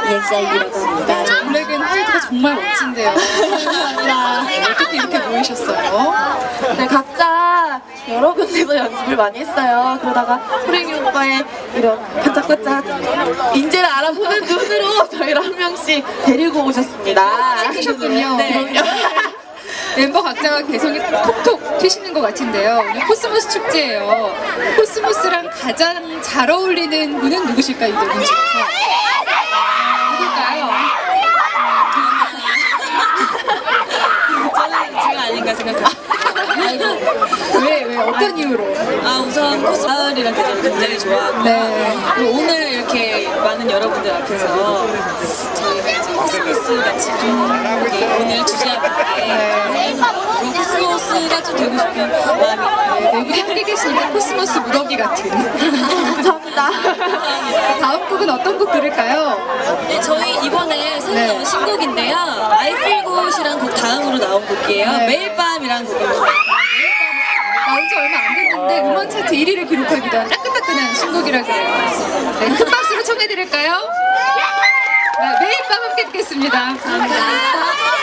EXID라고 합니다. 블랙앤 화이트가 정말 멋진데요. 어떻게 이렇게 모이셨어요? 네, 각자 여러 군데서 연습을 많이 했어요. 그러다가 호랭이 오빠의 이런 반짝반짝 인재를 알아보는 눈으로 저희를 한 명씩 데리고 오셨습니다. 찍히셨군요. 네. 멤버 각자가 개성이 톡톡 튀시는 것 같은데요. 오늘 코스모스 축제예요. 코스모스랑 가장 잘 어울리는 분은 누구실까요? 이들 분 중에서 누굴까요? 저는 제가 아닌가 생각합니다. 아이고, 왜 어떤 이유로? 우선 가을이란 계절을 굉장히 좋아하고 네. 그리고 오늘 이렇게 많은 여러분들 앞에서 저희가 이제 코스모스 같이 좀 이렇게 오늘 주제하는데 코스모스가 좀 되고 싶은 마음이 네, 우리 함께 계시니까 코스모스 무더기 같은. 감사합니다. 다음 곡은 어떤 곡 들을까요? 네, 저희 이번에 새로 네. 나온 신곡인데요. I Feel Good이란 곡 다음으로 나온 곡이에요. 네. 매일 밤이라는 곡입니다. 나온 지 얼마 안 됐는데 음원 차트 1위를 기록하기도 한 따끈따끈한 신곡이라 그래요. 네, 큰 박수로 청해드릴까요? 네, 매일 밤 함께 듣겠습니다. 감사합니다.